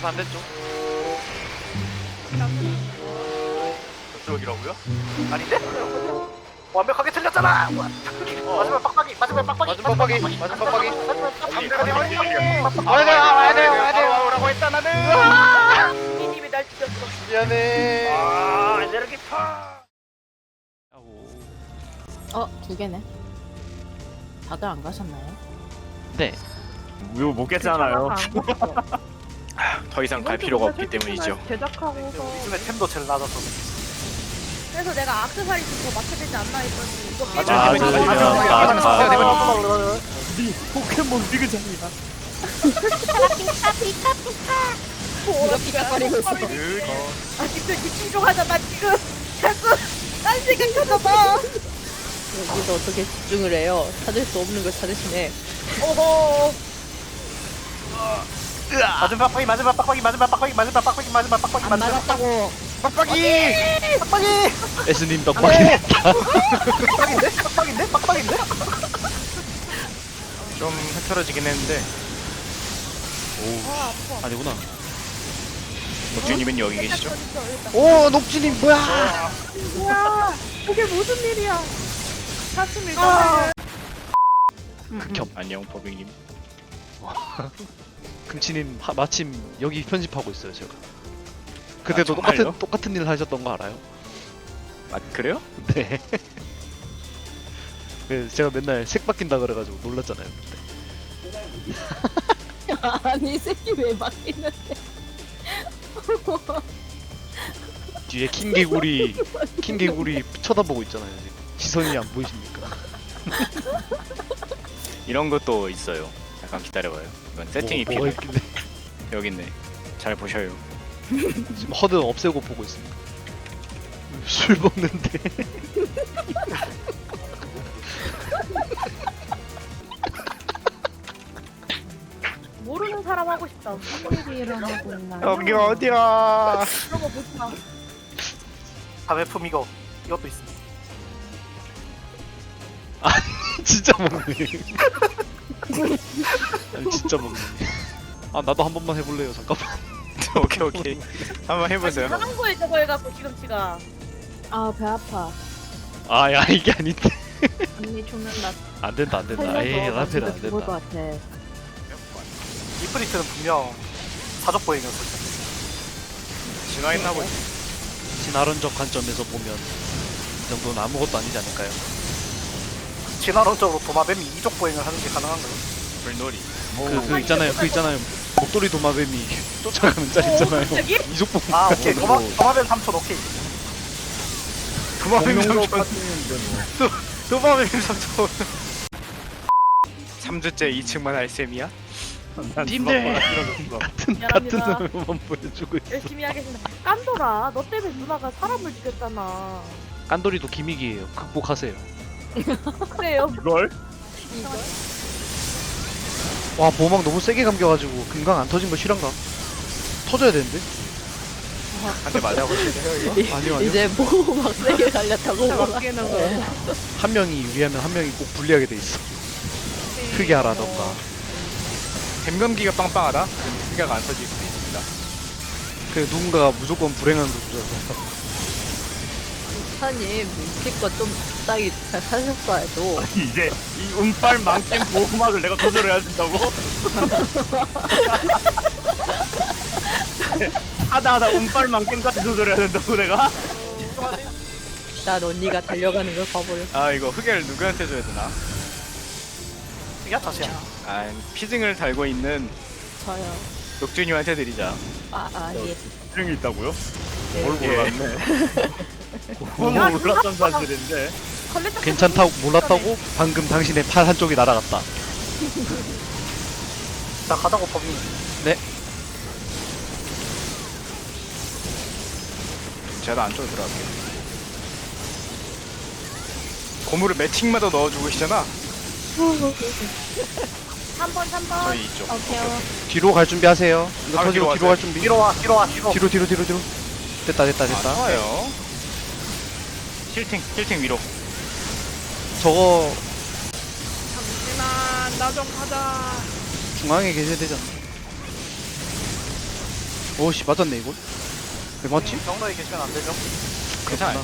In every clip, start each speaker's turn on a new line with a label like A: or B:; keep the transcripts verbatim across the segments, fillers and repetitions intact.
A: 반대쪽. 저쪽이라고요? 아닌데? 완벽하게 틀렸잖아! 어. 마지막 빡빡이! 마지막 빡빡이!
B: 마지막 빡빡이! 마지막 빡빡이!
A: 상대가 되어버리네!
B: 와야 돼요! 와야 돼요! 와야 돼요!
A: 와우라고 했다 나는!
C: 이님이 날 죽였어.
B: 미안해.
A: 아 에너지 파!
D: 어, 두 개네. 다들 안 가셨나요?
E: 네.
F: 이거 못 깼잖아요.
B: 더 이상 갈 필요가 없기 때문이죠.
C: 제작하고서
A: 요즘에 템도 제일 낮아서
C: 그래서 내가 악세사리 좀더 맞춰야 되지 않나 했더니 이거 게임
B: 아,
E: 맞으면
B: 맞으면
E: 맞으면
B: 맞으면
F: 니 포켓몬 리그장이야.
C: 이렇게
D: 깎아리고 있어.
C: 아 지금 집중 좀 하자. 나 지금 자꾸 딴 생각하나 봐.
D: 여기서 어떻게 집중을 해요? 찾을 수 없는 걸 찾으시네.
C: 오호.
A: 마지막 빡빡이! 마지막 빡빡이! 마지막 빡빡이! 마지막 빡빡이! 마지막 빡빡이!
D: 안
A: 마지막
D: 맞았다고.
B: 빡빡이!
A: 빡빡이!
E: 에스님 떡볶이.
A: 빡빡인데? 빡빡인데? 빡빡인데?
B: 좀 흐트러지긴 했는데
C: 아 아파.
E: 아니구나.
B: 목주님은 여기 계시죠?
E: 오, 녹진님 뭐야?
C: 뭐야? 그게 무슨 일이야? 사슴이
A: 아.
E: 극혐.
B: 안녕 버빙님.
E: 금치님 하, 마침 여기 편집하고 있어요 제가. 그때도
B: 아, 정말요?
E: 똑같은 똑같은 일 하셨던 거 알아요?
B: 아 그래요?
E: 네. 그 제가 맨날 색 바뀐다 그래가지고 놀랐잖아요 그때.
D: 아니, 이 새끼 왜 바뀌는데?
E: 뒤에 킹개구리 킹개구리 쳐다보고 있잖아요 지금. 시선이 안 보이십니까?
B: 이런 것도 있어요. 잠깐 기다려봐요. 이건 세팅이
E: 뭐, 뭐가
B: 필요해.
E: 있길래.
B: 여기 있네. 잘 보셔요.
E: 지금 허드 없애고 보고 있습니다. 술 먹는데.
C: 모르는 사람 하고 싶다. 무슨 일이 일어나고 있나?
B: 여기 어디야?
C: 그런 거 보지 마.
A: 자매품 이거 이것도 있습니다.
E: 진짜 먹네. 아니 진짜 먹네. 아 나도 한 번만 해볼래요. 잠깐만.
B: 오케이 오케이. 한번 해보세요.
C: 하는 거에 저거 해갖고 시금치가.
D: 아, 배 아파.
E: 아야 이게 아닌데.
D: 언니 죽는다.
E: 안 된다 안 된다. 에이 라페는 안 된다.
D: 같아.
A: 이프리트는 분명 사족 보행이었을 텐데.
B: 진화했나 보지.
E: 진화론적 관점에서 보면 이 정도는 아무것도 아니지 않을까요?
A: 진화론적으로 도마뱀이 이족 보행을 하는 게 가능한가요?
B: 불놀이.
E: 그, 그 있잖아요. 그 있잖아요. 목도리 도마뱀이 쫓아가는 짤 있잖아요.
C: 갑자기?
E: 이족봉.
A: 아 오케이 도마, 도마뱀 삼촌 오케이.
B: 도마뱀
F: 공룡으로
B: 삼촌.
F: 빠지는데 뭐.
B: 도마뱀 삼촌. 삼 주째 이 층만 할 셈이야?
F: 난
E: 님들!
F: 누가 떨어졌어.
E: 같은
C: 미안합니다.
E: 같은 놈만 보여주고 있어.
C: 열심히 하겠습니다. 깐돌아, 너 때문에 누나가 사람을 죽였잖아.
E: 깐돌이도 기믹이에요. 극복하세요.
C: 그래요.
F: 이걸?
E: 와 보호막 너무 세게 감겨가지고 금강 안 터진 거 실한가? 터져야 되는데?
B: 한 대 맞아보실래요 이거?
E: 아니요 아니요.
D: 이제 뭐 막 세게 달렸다고.
C: 바뀌는 거.
E: 한 명이 유리하면 한 명이 꼭 불리하게 돼 있어. 크게 하라던가.
B: 뱀감기가 빵빵하다? 생각 안 터질 수도 있습니다.
E: 그 누군가가 무조건 불행한 구조라서.
D: 사님, 눈치껏 좀 적당히 잘 사셨어야죠.
F: 이제 이 운빨 망겜 보호막을 내가 조절해야 된다고? 하다 하다 운빨 망겜까지 조절해야 된다고 내가?
D: 난 언니가 달려가는 걸 봐버렸어.
B: 아 이거 흑열 누구한테 줘야 되나?
A: 이게 다시야.
B: 아 피증을 달고 있는
D: 저요.
B: 녹준이한테 드리자.
D: 아, 아, 예.
F: 증이 있다고요?
D: 예.
F: 뭘
B: 예.
F: 몰랐네. 뭘 몰랐던 사실인데.
C: 걸레떡
E: 괜찮다고 몰랐다고? 방금 당신의 팔 한쪽이 날아갔다.
A: 나 가자고 법이.
B: 제가 안쪽으로 들어갈게요. 고무를 매칭마다 넣어주고 계시잖아.
C: 삼 번, 삼 번.
B: 저희 이쪽.
D: 오케이.
E: 뒤로 갈 준비하세요. 이거
B: 바로
E: 터지고
B: 뒤로
E: 뒤로 갈
B: 가세요.
E: 준비.
A: 뒤로 와 뒤로 와 뒤로.
E: 뒤로 뒤로 뒤로 뒤로. 됐다 됐다
B: 아,
E: 됐다.
B: 좋아요. 힐팅, 힐팅 위로.
E: 저거
C: 잠시만, 나 좀 가자.
E: 중앙에 계셔야 되잖아. 오씨 맞았네 이건. 왜 맞지?
A: 경로에 계시면 안 되죠.
B: 괜찮아요.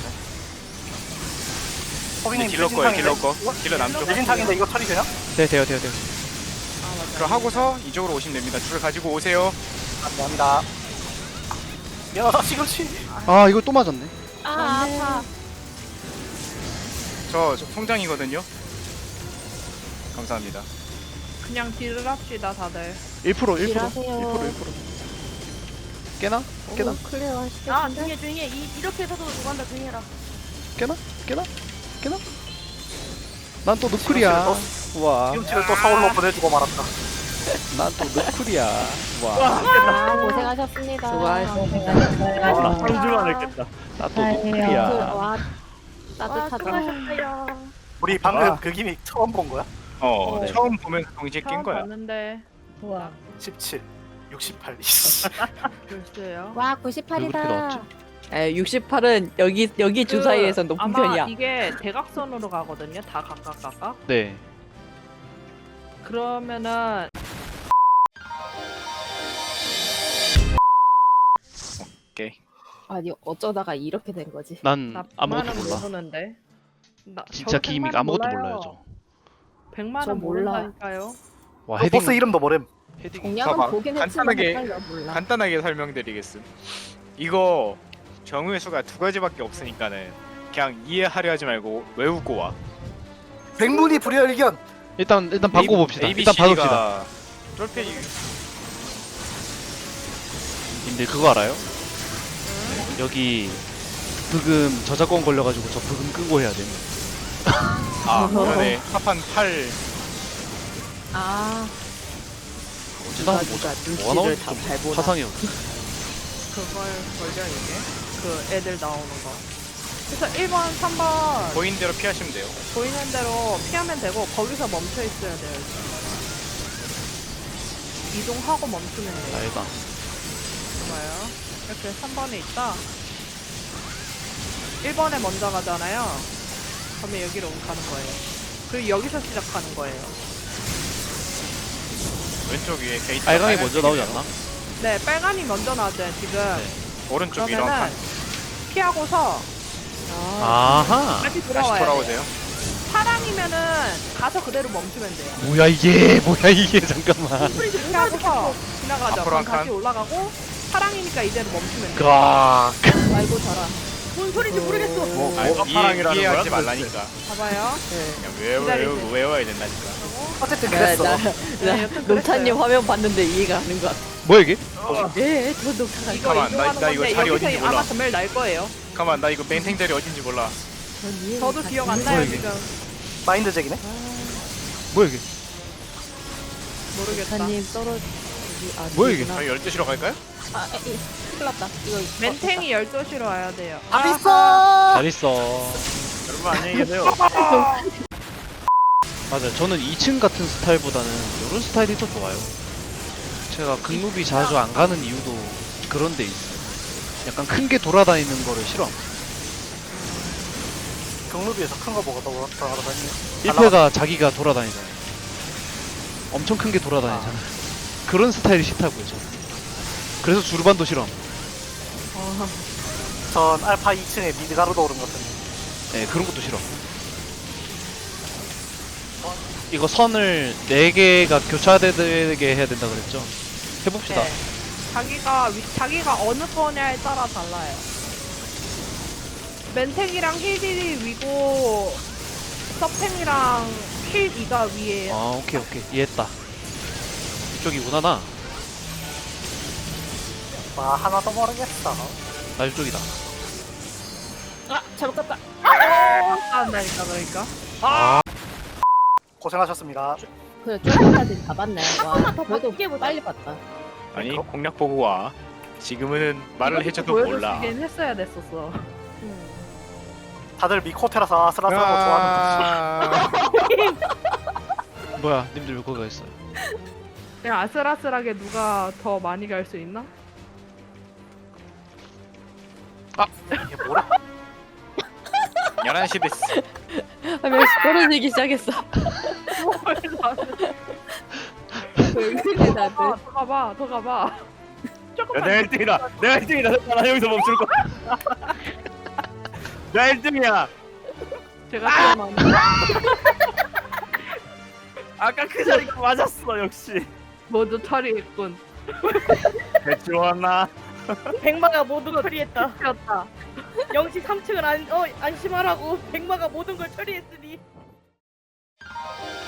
A: 호빈님
B: 딜러 거예요, 딜러 거. 딜러 남쪽.
A: 대진탕인데 이거 처리 되냐?
E: 네 돼요 돼요 돼요.
B: 그럼 하고서 이쪽으로 오시면 됩니다. 줄 가지고 오세요.
A: 감사합니다. 미안하다 시금치.
E: 아 이거 또 맞았네.
C: 아 아파.
B: 저, 저 통장이거든요. 감사합니다.
C: 그냥 딜을 합시다 다들.
E: 일 퍼센트 일 퍼센트
D: 일하세요.
E: 일 퍼센트 일 퍼센트. 깨나? 깨나?
D: 오, 클리어 하시겠
C: 아 조용히 해 조용히 해. 이, 이렇게 해서도 누가 한다 조용히 해라.
E: 깨나? 깨나? 깨나? 난 또 누클이야. 우와.
A: 시금치를 또 서울로 보내주고 말았다.
E: 난 또 누클이야. 와.
D: 아, 고생하셨습니다.
F: 아, 상주만 했겠다.
E: 난 또 누클이야.
D: 와,
C: 와
D: 따뜻하다.
C: 수고하셨어요.
A: 우리 방금
F: 아.
A: 그 기믹 처음 본 거야?
B: 어,
E: 네.
B: 처음 보면서 동시에 낀
C: 처음
B: 거야.
C: 봤는데
D: 와,
A: 십칠, 육십팔.
C: 글쎄요.
D: 와
E: 왜 그렇게 나왔지?
D: 구십팔이다. 에, 육십팔은 여기 여기 주 사이에서 높은
C: 아마
D: 편이야.
C: 이게 대각선으로 가거든요. 다 각각 각각.
E: 네.
C: 그러면은
B: 오케이.
D: 아니 어쩌다가 이렇게 된 거지.
E: 난
C: 나
E: 아무것도
C: 백만 원
E: 몰라.
C: 모르는데. 나
E: 진짜
C: 저도
E: 기믹
C: 백만 원
E: 아무것도
C: 몰라요.
E: 몰라요 저.
C: 백만
D: 저
C: 원
D: 몰라.
C: 모른다니까요.
E: 와
A: 그
E: 헤딩.
A: 보스 이름도 모름.
E: 헤딩.
D: 공략은
B: 봐봐.
D: 보긴 했지만
B: 간단하게-
D: 헷갈려 몰라.
B: 간단하게 설명드리겠음. 이거 정의의 수가 두 가지밖에 없으니까는 그냥 이해하려 하지 말고 외우고 와.
A: 백문이 불여일견.
E: 일단 일단 바꿔봅시다.
B: A, B,
E: 일단
B: C, D가
E: 바꿉시다.
B: 쫄페이
E: 님들 그거 알아요? 여기 브금 저작권 걸려가지고 저 브금 끄고 해야 돼.
B: 아 그러네. 합한 팔
D: 아,
E: 어찌다 보자.
D: 누가
E: 뭐가 나올지
D: 눈치를
E: 좀
D: 다잘 보나.
E: 화상해요.
C: 그걸 걸려 이게. 그 애들 나오는 거. 그래서 일 번, 삼 번
B: 보인 대로 피하시면 돼요.
C: 보이는 대로 피하면 되고 거기서 멈춰 있어야 돼요. 일단. 이동하고 멈추면 돼요.
E: 알다.
C: 좋아요. 이렇게 삼 번에 있다. 일 번에 먼저 가잖아요. 그러면 여기로 가는 거예요. 그리고 여기서 시작하는 거예요.
B: 왼쪽 위에 게이트.
E: 빨강이 먼저 나오지 않나?
C: 네, 빨간이 먼저 나왔잖아요, 지금.
E: 네.
B: 오른쪽 위로 한
C: 그러면은
B: 칸.
C: 피하고서
E: 아하.
C: 다시
B: 다시
C: 돌아와야 돼요.
B: 돌아오세요.
C: 파랑이면은 가서 그대로 멈추면 돼요.
E: 뭐야 이게 뭐야 이게 잠깐만.
C: 피하고서 지나가죠.
B: 앞으로
C: 그럼
B: 한 칸.
C: 다시 올라가고 파랑이니까 이대로 멈추면 돼요.
E: 가.
D: 아이고 저라.
C: 뭔 소리인지 모르겠어.
F: 뭐,
B: 아,
F: 뭐가
B: 이해,
F: 파랑이라는
B: 이해하지
F: 거야?
B: 말라니까.
C: 봐봐요.
B: 그냥 외워,
C: 기다리세요.
B: 외워, 외워야 된다니까.
A: 어쨌든
D: 나,
A: 그랬어.
D: 나,
C: 네,
D: 나
C: 여튼
D: 농타님
C: 그랬어요.
D: 화면 봤는데 이해가 가는 것 같아.
E: 뭐야 이게?
D: 네, 저 농타가
C: 이거
B: 가만, 나-
C: 이동하는
B: 나 이거
C: 건데
B: 자리
C: 여기서
B: 어딘지 몰라.
C: 아마 전멸 날 거예요.
B: 잠깐만 나 이거 멘탱 자리 어딘지 몰라.
D: 전 이해
C: 저도
D: 못
C: 기억
D: 하겠네.
C: 안 나요
E: 뭐야, 이게?
C: 지금.
A: 마인드잭이네.
E: 뭐야 이게?
C: 모르겠다.
D: 농타님 떨어지. 아,
E: 뭐야, 이게?
D: 아니구나.
B: 저희 열두 시로 갈까요?
D: 아, 이, 큰일 났다. 이거
C: 멘탱이 열두 시로 와야 돼요.
A: 잘 있어.
E: 잘 있어.
F: 여러분 안녕히 계세요.
E: 맞아요. 저는 이 층 같은 스타일보다는 이런 스타일이 더 좋아요. 제가 극무비 자주 안 가는 이유도 그런 데 있어요. 약간 큰 게 돌아다니는 거를 싫어.
A: 경루비에서 큰 거 보고 더 돌아다니네.
E: 일 패가 자기가 돌아다니잖아요. 엄청 큰 게 돌아다니잖아요. 그런 스타일이 싫다고요, 저는. 그래서 주르반도 싫어.
A: 전 알파 이 층에 미드가루도 오른 것 같은데.
E: 네, 그런 것도 싫어. 이거 선을 네 개가 교차되게 해야 된다 그랬죠? 해봅시다.
C: 네. 자기가 위, 자기가 어느 거냐에 따라 달라요. 멘탱이랑 힐딜이 위고 서팽이랑 힐 이가 위에요.
E: 아, 오케이, 오케이. 이해했다. 이쪽이구나, 나.
A: 아 하나도 모르겠어.
E: 나 이쪽이다.
D: 아, 잘못 갔다.
C: 한다니까 그러니까.
A: 고생하셨습니다.
D: 그래, 조금까지 다 봤네. 와,
C: 번만 더
D: 그래도
C: 바뀌게 보자.
D: 빨리 봤다.
B: 아니 공략 보고 와. 지금은 말을 해줘도 몰라.
C: 보여주긴 했어야 됐었어.
A: 다들 미코테라서 아슬아슬하고 좋아하는
B: 아...
E: 뭐야, 님들 왜 거기 가 있어요?
C: 그냥 아슬아슬하게 누가 더 많이 갈 수 있나?
A: 이게 뭐래?
B: 열한 시 됐어.
D: 아, 몇 떨어지기 시작했어. 왜 그래,
C: 더
D: 다들.
C: 가봐, 더 가봐, 더 가봐.
F: 야,
C: 조금만.
F: 내가 일 등이다. 내가 일 등이다. 나 여기서 멈출 거야. 나 일 등이야.
C: 제가 태어난.
F: 아까 그 자리가 맞았어 역시.
C: 모두 처리했군.
F: 대치 왔나?
G: 백마가 모든 걸 처리했다.
C: 였다.
G: 영시 삼 층을 안, 어, 안심하라고 백마가 모든 걸 처리했으니